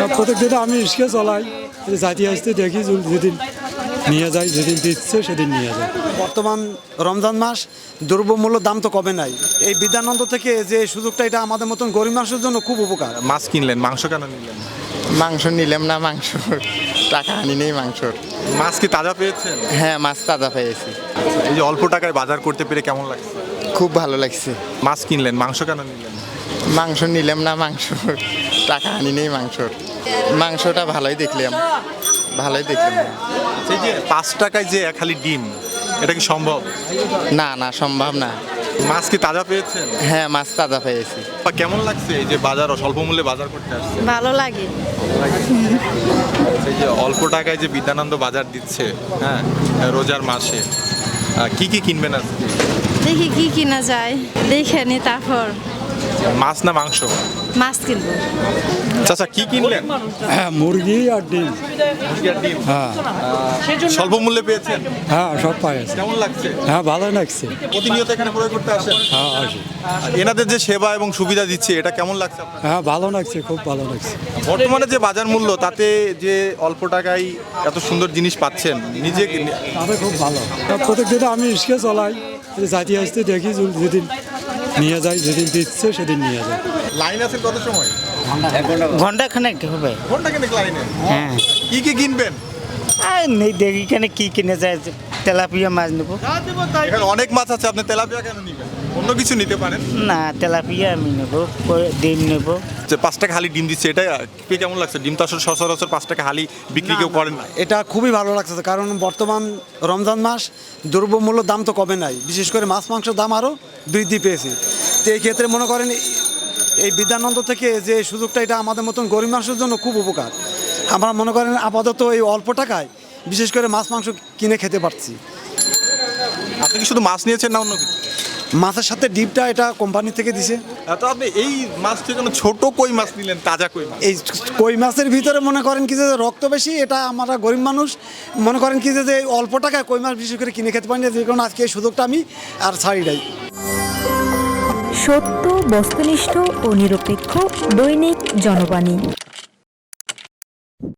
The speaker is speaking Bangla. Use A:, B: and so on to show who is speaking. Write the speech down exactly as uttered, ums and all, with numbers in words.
A: প্রত্যেক দিন আমি রিক্সা চালাই, যাইতে আসতে দেখি যেদিন নিয়ে যায়, যেদিন দিচ্ছে সেদিন নিয়ে যায়।
B: বর্তমান রমজান মাস, দ্রব্যমূল্য দাম তো কমে নাই। এই বিদ্যানন্দ থেকে যে সুযোগটা, এটা আমাদের মতন গরিব মানুষের জন্য খুব উপকার।
C: মাছ কিনলেন, মাংস কেন নিলেন?
D: মাংস নিলাম না, মাংস টাকা আনি নেই মাংসর।
C: মাছ কি তাজা পেয়েছেন?
D: হ্যাঁ, মাছ তাজা পেয়েছি।
C: এই যে অল্প টাকায় বাজার করতে পেরে কেমন লাগছে?
D: খুব ভালো লাগছে।
C: মাছ কিনলেন, মাংস কেন নিলেন?
D: মাংস নিলাম না, মাংস টাকা আনি নেই মাংসর। মাংসটা ভালোই দেখলাম, ভালোই দেখলাম।
C: এই যে পাঁচ টাকায় যে এক হালি ডিম, এটা কি সম্ভব?
D: না না, সম্ভব না।
C: মাছ কি তাজা পেয়েছেন?
D: হ্যাঁ, মাছ তাজা পেয়েছি।
C: বা কেমন লাগছে এই যে বাজার স্বল্প মূল্যে বাজার করতে আসছে?
E: ভালো লাগে।
C: এই যে অল্প টাকায় যে বিদ্যানন্দ বাজার দিচ্ছে, হ্যাঁ, রোজার মাসে আহ, কি কি কিনবেন আজকে?
E: দেখি কি কিনা যায়, দেখে নি তারপর
C: মাছ না মাংস?
E: মাছ কিনবো।
C: চাচা কি কিনলেন?
A: হ্যাঁ, মুরগি আর ডিম।
C: মুরগি আর ডিম।
A: হ্যাঁ
C: আহ, স্বল্প মূল্যে পেয়েছেন?
A: হ্যাঁ, সব পাই আছে।
C: কেমন লাগছে?
A: হ্যাঁ, ভালো লাগছে।
C: প্রতিনিয়ত এখানে ক্রয় করতে আসেন?
A: হ্যাঁ, আসি।
C: এনাদের যে সেবা এবং সুবিধা দিচ্ছে, এটা কেমন লাগছে আপনার?
A: হ্যাঁ, ভালো লাগছে, খুব ভালো লাগছে।
C: বর্তমানে যে বাজার মূল্য, তাতে যে অল্প টাকায় এত সুন্দর জিনিস পাচ্ছেন, নিজে
A: তাতে খুব ভালো। প্রত্যেক দিন আমি রিক্সা চালাই, যাইতে আসতে দেখি যেদিন নিয়ে যায়, যেদিন দিচ্ছে সেদিন নিয়ে যায়।
C: লাইন আছে কত সময়?
F: ঘন্টা খানেক হবে।
C: ঘন্টা কেন লাইনে?
F: হ্যাঁ,
C: কি কি কিনবেন?
F: আর নেই দেখি কেন কি কিনে যায়, তেলাপিয়া মাছ নেবো।
C: এখানে অনেক মাছ আছে, আপনি তেলাপিয়া কেন নিবেন? অন্য কিছু নিতে পারেন।
F: না, তেলাপিয়া আমি নেবো, পরে ডিম নেবো।
C: যে পাঁচ টাকা হালি ডিম দিচ্ছে, এটা কি কেমন লাগছে? ডিম তো আসলে সচরাচর পাঁচ টাকা হালি বিক্রি কেউ করেন না।
B: এটা খুবই ভালো লাগছে, কারণ বর্তমান রমজান মাস, দ্রব্যমূল্য দাম তো কমে নাই। বিশেষ করে মাছ মাংসের দাম আরও বৃদ্ধি পেয়েছে। তো এই ক্ষেত্রে মনে করেন এই বিদ্যানন্দ থেকে যে সুযোগটা, এটা আমাদের মতন গরিব মানুষের জন্য খুব উপকার। আমরা মনে করেন আপাতত এই অল্প টাকায় বিশেষ করে মাছ মাংস কিনে খেতে পারছি।
C: আপনি কি শুধু মাছ নিয়েছেন না অন্য কিছু?
B: মাছের সাথে ডিপটা এটা কোম্পানি থেকে দিছে।
C: তো আপনি এই মাছ থেকে কোনো ছোট কই মাছ নিলেন, তাজা কই মাছ?
B: এই কই মাছের ভিতরে মনে করেন কি যে রক্ত বেশি, এটা আমরা গরিব মানুষ মনে করেন কি যে যে অল্প টাকায় কই মাছ বিশেষ করে কিনে খেতে পারি না, যে কারণে আজকে এই সুযোগটা আমি আর ছাড়ি নাই।
G: সত্য, বস্তুনিষ্ঠ ও নিরপেক্ষ দৈনিক জনবাণী।